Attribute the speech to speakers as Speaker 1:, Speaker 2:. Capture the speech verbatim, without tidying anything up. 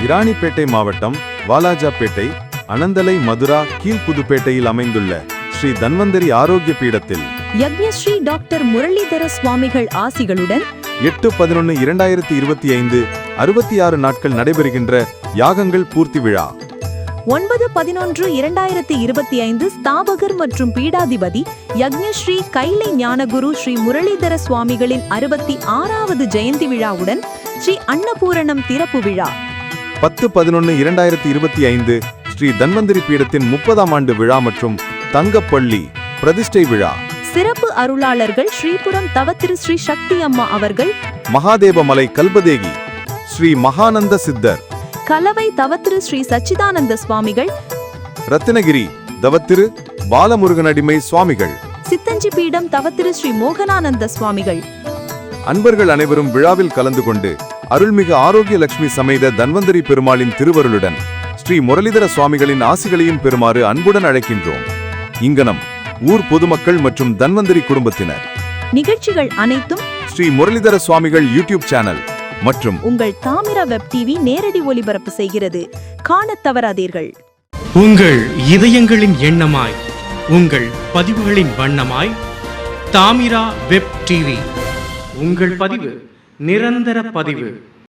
Speaker 1: இராணிப்பேட்டை மாவட்டம் வாலாஜாப்பேட்டை அனந்தலை மதுரா கீழ்புதுப்பேட்டையில் அமைந்துள்ள ஸ்ரீ தன்வந்தரி ஆரோக்கிய பீடத்தில்
Speaker 2: யக்ஞஸ்ரீ டாக்டர் முரளிதர சுவாமிகள் ஆசிகளுடன்
Speaker 1: எட்டு பதினொன்று இரண்டாயிரத்தி இருபத்தி ஐந்து அறுபத்தி ஆறு நாட்கள் நடைபெறுகின்ற யாகங்கள் பூர்த்தி விழா.
Speaker 2: ஒன்பது பதினொன்று இரண்டாயிரத்தி இருபத்தி ஐந்து ஸ்தாபகர் மற்றும் பீடாதிபதி யக்ஞஸ்ரீ கைலை ஞானகுரு ஸ்ரீ முரளிதர சுவாமிகளின் அறுபத்தி ஆறாவது ஜெயந்தி விழாவுடன் ஸ்ரீ அன்னபூரணம் திறப்பு விழா.
Speaker 1: பத்து பதினொன்று இரண்டாயிரத்தி இருபத்தி ஐந்து ஸ்ரீ தன்வந்தரி பீடத்தின் முப்பதாம் ஆண்டு விழா மற்றும் தங்கப்பள்ளி பிரதிஷ்டை விழா.
Speaker 2: சிறப்பு அருளாளர்கள் ஸ்ரீபுரம் தவத்திரு ஸ்ரீ சக்தி அம்மா அவர்கள்,
Speaker 1: மகாதேவமலை கல்பதேகி ஸ்ரீ மகானந்த சித்தர்,
Speaker 2: கலவை தவத்திரு ஸ்ரீ சச்சிதானந்த சுவாமிகள்,
Speaker 1: ரத்தினகிரி தவத்திரு பாலமுருகனடிமை சுவாமிகள்,
Speaker 2: சித்தஞ்சி பீடம் தவத்திரு ஸ்ரீ மோகனானந்த சுவாமிகள்.
Speaker 1: அன்பர்கள் அனைவரும் விழாவில் கலந்து கொண்டு அருள்மிகு ஆரோக்கிய லட்சுமி சமேத தன்வந்தரி பெருமாளின் திருவருளுடன் ஸ்ரீ முரளிதர சுவாமிகளின் ஆசிகளையும் பெறுமாறு அன்புடன் அழைக்கின்றோம். இங்கனம் ஊர் பொதுமக்கள் மற்றும் தன்வந்தரி குடும்பத்தினர்.
Speaker 2: நிகழ்ச்சிகள் அனைத்தும்
Speaker 1: ஸ்ரீ முரளிதர சுவாமிகள் யூடியூப் சேனல் மற்றும்
Speaker 2: உங்கள் தாமிரா வெப் டிவி நேரடி ஒளிபரப்பு செய்கிறது. காணத் தவறாதீர்கள்.
Speaker 3: உங்கள் இதயங்களின் எண்ணமாய், உங்கள் பதிவுகளின் வண்ணமாய் தாமிரா வெப் டிவி. உங்கள் பதிவு நிரந்தர பதிவு.